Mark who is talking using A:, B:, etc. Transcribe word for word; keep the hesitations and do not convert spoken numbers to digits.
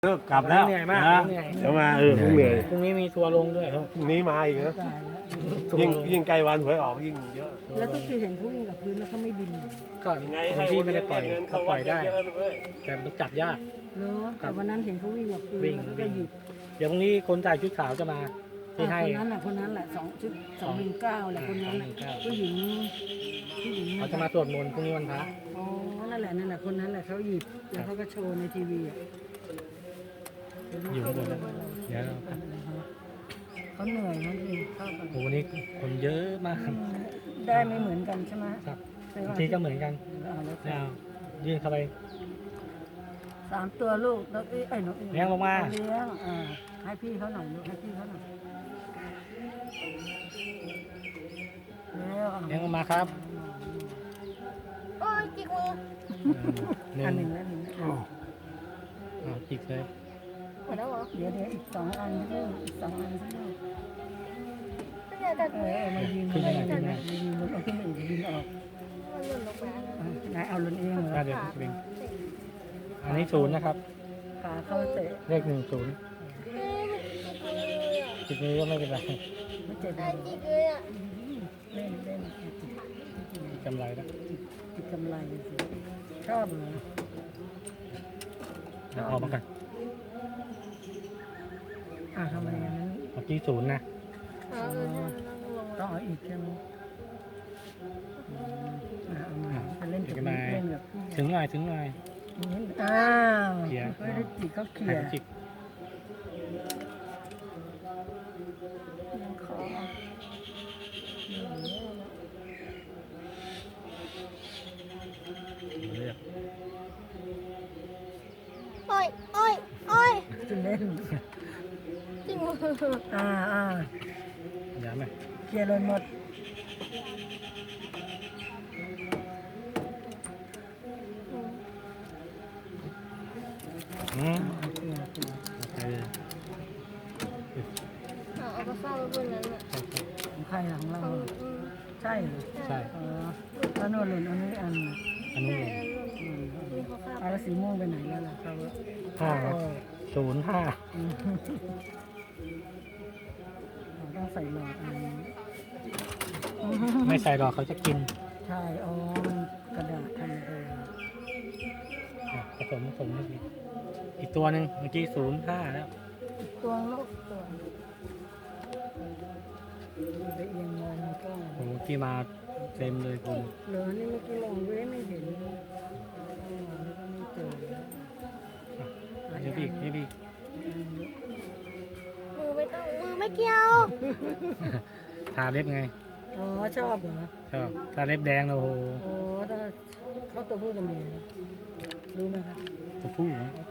A: เลิกกลับแล้ว
B: เหนื่อยมาก
A: นะ
B: เหนื่อย
A: เดี๋ยวมาเออเหนื่อย
B: พรุ่งนี้มีทัวร์ลงด้วย
A: พรุ่งนี้มาอีกนะ
C: ตายแล้ว
A: ยิ่งยิ่งใกล้วันหวยออกยิ่งเยอะ
C: แล้วก็คือเห็นเขาวิ่งกับพื้นแล้วเขาไม่บินเหรอ
B: ก็
A: ยังไง
B: บางที่ไม่ได้ปล่อย
A: เงิน
B: เขา
A: เข้า
B: ป
A: วั
B: ล่
A: ด
B: อยได้
A: เยอะๆเลย
B: แต่มันจับยาก
C: เนาะแต่วันนั้นเห็นเขาวิ่งกับพื้น
B: วิ่ง
C: แล้วก็หยิบ
B: เดี๋ยวพรุ่งนี้คนจ่ายชุดขาวจะมาที่ให้
C: คนนั้นแหละคนนั้นแหละสองชุดสองหนึ่งเก้าแหละคนนั้นน่ะ
B: สองหนึ่งเก้า
C: ผู้หญิงผู้หญิง
B: เขาจะมาสวดมนต์พรุ่งนี้วันพระ
C: อ๋อนั่นแหละนั่นแหละคนนั้นแหละเขาหยิบแล้วเขาก็โชว์ในทีวีอ่ะ
B: อยู่ข้างบนแล้วเดี๋ยว
C: เขาเหนื่อยนะพี่เข้าไป
B: โอ้โหวันนี้คนเยอะมาก
C: ได้ไม่เหมือนกันใช่ไหม
B: ครับ
C: ใช่
B: บาง
C: ปะ
B: ทีก็เหมือนกัน
C: เอาแล้ว
B: เอายื่นเข้าไป
C: สามตัวลูกนกเอ้ยไอ้นกอ้
B: เลี้ยงลงมา
C: เลี้ยงอ่าให้พี่เขาหน่อยลูกให้พี่เขาหน่อยแล้วอ่ะ
B: เลี้ยงลงมาครับ
D: โอ้ยจิกมือ
B: หนึ่
C: อัน
B: ง
C: หนึ่งแล้วหนึ่งแล้ว
B: อ่าจิกเลย
D: หมดแล้วเหรอ
C: เดี๋ยวเดี๋ยวอีกสองอันลูกอีกสองอันลูก
D: ไม่ได้แต่
C: เออเอามายืน
B: ขึ้นไปไหนขึ้นไปไหน
C: มายืนบนเอาขึ้นไปอีกยืนออก
D: มันหล่นลงมา
C: อ่ะนายเอาลนเองเหร
B: อ่า
C: อ
B: เดี๋ยวเบ่งอันนี้ศูนย์นะครับ
C: ขาเข้าเตะ
B: เลขหนึ่งศูนย์
D: เอ้ยมันจิกมืออ่ะ
B: จิกนี้ก็ไม่เป็นไร
C: ไม่เจ็บ
D: ได้จิกเลยอ่ะ
C: เล่นเล่น
B: กำไรแล้ว
C: ติดกำไรสิชอบเหรอ
B: เอาออกมากัน
C: อ่ะทำไมอันนั้น
B: เมื่อกี้ศูนย์นะ
D: อ๋อเออนั่งนั่งลง
C: ต้องเอาอีกใช่ไหมอืมอ่ะเอามาไปเล่นกับพี่เล่นกับพี่
B: ถึงหน่อยถึงหน่อย
C: อ้าว
B: เขี่ย
C: ไม่ได้จิกเขาเขี่
B: ให้
C: ย
B: เขาจิก
C: ยังขอ
B: เลือก
D: โอ้ยโอ้ยโอ้ย
C: จะเล่น
D: จิกมือ
C: อ่าอ่า
B: ย้ำไหม
C: เคลียร์เลยหมด
B: อืม
C: เคลียร์เคลียร์
B: โอเค
D: เอาเอาไปเฝ้าไว้บนนั้นอ่ะ
C: ของใครของเรา
D: เอาอืม
C: ใช่เหรอ
B: ใช่
C: อ๋อแล้วโน่นหล่นอันนี้อันน่ะ
B: อันนี้
D: แต่
B: เลย
D: อันหล่น
C: อืม
D: มีเขาคาบ
C: เอาแล้วสีม่วงไปไหนแล้วล่ะครับ
B: ห้าศูนย์ห้า
C: อืมเราต้องใส่หลอดอันนี้
B: ไม่ใส่หรอกเขาจะกิน
C: ใช่ อ๋อ มันกระดาษทำเอง
B: อ่ะผสมผสมนิดนึงอีกตัวหนึ่งเมื่อกี้ศูนย์ห้าแล้ว
C: ตัวลูกตัวไปเอียงมองมันก็
B: โอ้โหเมื่อกี้มาเต็มเลยคุณ
C: เหลือนี่เมื่อกี้ลองเว้ยไม่เห็นอ๋อนี่ก็ไม่เจอ
B: อ่ะเดี๋ยวพี่เดี๋ยวพี่
D: มือไม่ต้องมือไม่เกี่ยว
B: ทาเล็บไง
C: อ๋อ ชอบเหรอ
B: ชอบทาเล็บแดงนะโอ้โห
C: อ๋อถ้าเขาตัวผู้กับเมียรู้ไหมครับ
B: ตัวผู้นะ
C: เขา